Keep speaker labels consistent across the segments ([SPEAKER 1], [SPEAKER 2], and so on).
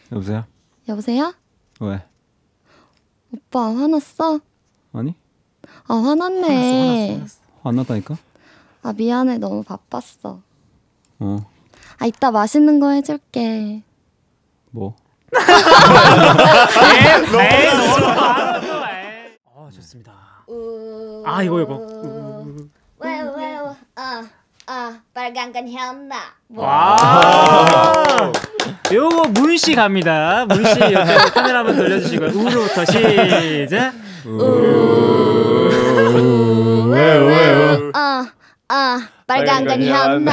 [SPEAKER 1] 여보세요?
[SPEAKER 2] 여보세요?
[SPEAKER 1] 왜?
[SPEAKER 2] 오빠 화났어?
[SPEAKER 1] 아니?
[SPEAKER 2] 아 화났네.
[SPEAKER 3] 화났어.
[SPEAKER 1] 화났다니까?
[SPEAKER 2] 아 미안해 너무 바빴어.
[SPEAKER 1] 어.
[SPEAKER 2] 아 이따 맛있는 거 해줄게.
[SPEAKER 1] 뭐?
[SPEAKER 3] 좋습니다. 아 이거.
[SPEAKER 2] 왜요? 빨간 건 현나.
[SPEAKER 3] 와. 요거 문씨 갑니다. 문씨 옆에 카메라 한번 돌려주시고 우로부터 시작.
[SPEAKER 2] 왜요? 빨간 건 현나.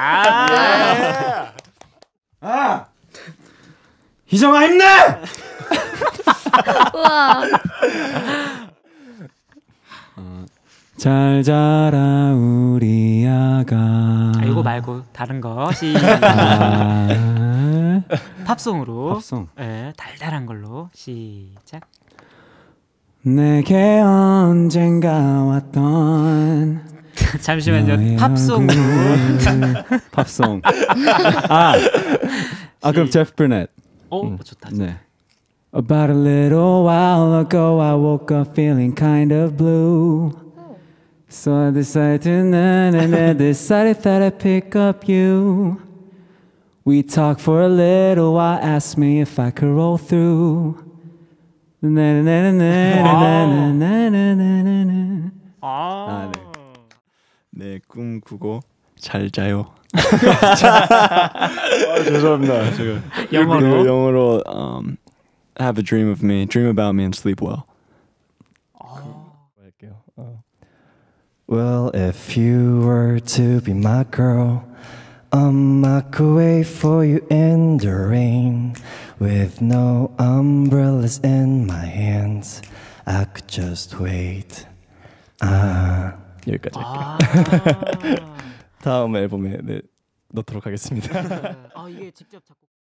[SPEAKER 1] 희정아 힘내!
[SPEAKER 2] 우와.
[SPEAKER 1] 잘 자라 우리 아가.
[SPEAKER 3] 이거 말고 다른 거 시작. 팝송으로.
[SPEAKER 1] 팝송.
[SPEAKER 3] 네, 달달한 걸로 시작.
[SPEAKER 1] 내게 언젠가 왔던
[SPEAKER 3] 잠시만요. 팝송으로.
[SPEAKER 1] 팝송. 그럼 제프 브넷.
[SPEAKER 3] 좋다.
[SPEAKER 1] 네. About a little while ago I woke up feeling kind of blue. So I decided to decided that I'd pick up you. We talked for a little while, asked me if I could roll through.
[SPEAKER 4] 네, 꿈 꾸고 잘 자요.
[SPEAKER 1] 죄송합니다.
[SPEAKER 4] 영어로 have a dream of me, dream about me and sleep well.
[SPEAKER 5] Well, if you were to be my girl, I could wait for you in the rain with no umbrellas in my hands. I could just wait.
[SPEAKER 4] 여기까지 할게요. 다음 앨범에 넣도록 하겠습니다.
[SPEAKER 3] 이게 직접 작곡.